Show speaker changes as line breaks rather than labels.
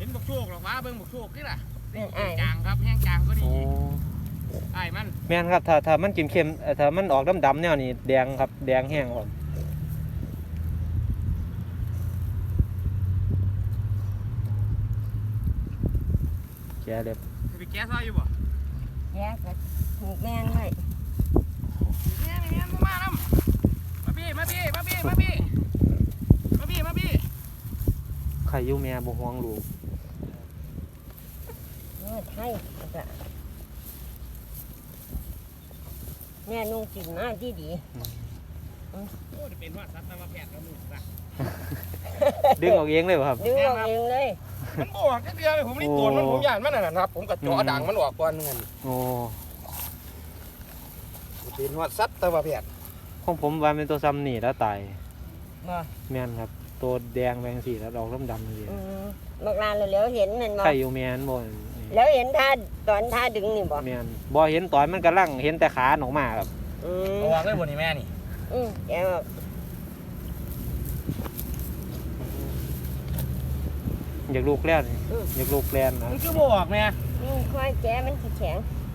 นบกโชคหรอกวะเบิ่งบกโชคนี่แหละจางครับแห้งจางก็ดีไอ้มัน
แม่นครับถ้ามันกินเค็มถ้ามันออกดำๆเนี่ยนี่แดงครับแดงแห้งครับแกเด็บ
ไปแก้ซอยอยู่บ่
แย่ก็ถูกแม่นไว้
แม่มาน้ำมาพี่
ใครอยู่แม่บ่ห่วงลูก
ไทยแม่นุ่งกินมาที่ดี
โอ้จะเป็นว่าสัตว์มาแพทย์แล้วมึงจ้ะ
ดึงออกเองเลยครับ
ดึงออกเองเลย
มันบอกแค่เดียวเลยผมนี่ตัวมันผมย่านมันน่ะนะครับผมกับจ่อด่างมันออกก่อนเงิน
โอ้
เป็นว่าสัตว์มาแพทย์
ของผมว่าเป็นตัวซ้ำนี่แล้วตาย
มา
แม่นครับตัวแดงแบงสีแล้วออกดำๆเลย
บางร้านเราเห็นมันบ่
ใครอยู่แม่นบ่
แล้วเห็นท่าตอนท่าดึงนี่บ่
แม่นบ่เห็นตอนมันกำลังเห็นแต่ขาออกมาครับ
วางได้บนนี่แม่นี่
แกบอก
อยากลูกแล้วนี่อยากลูกแลนนะ
มันคือบอกแม่
ค่อยแกมันแข็ง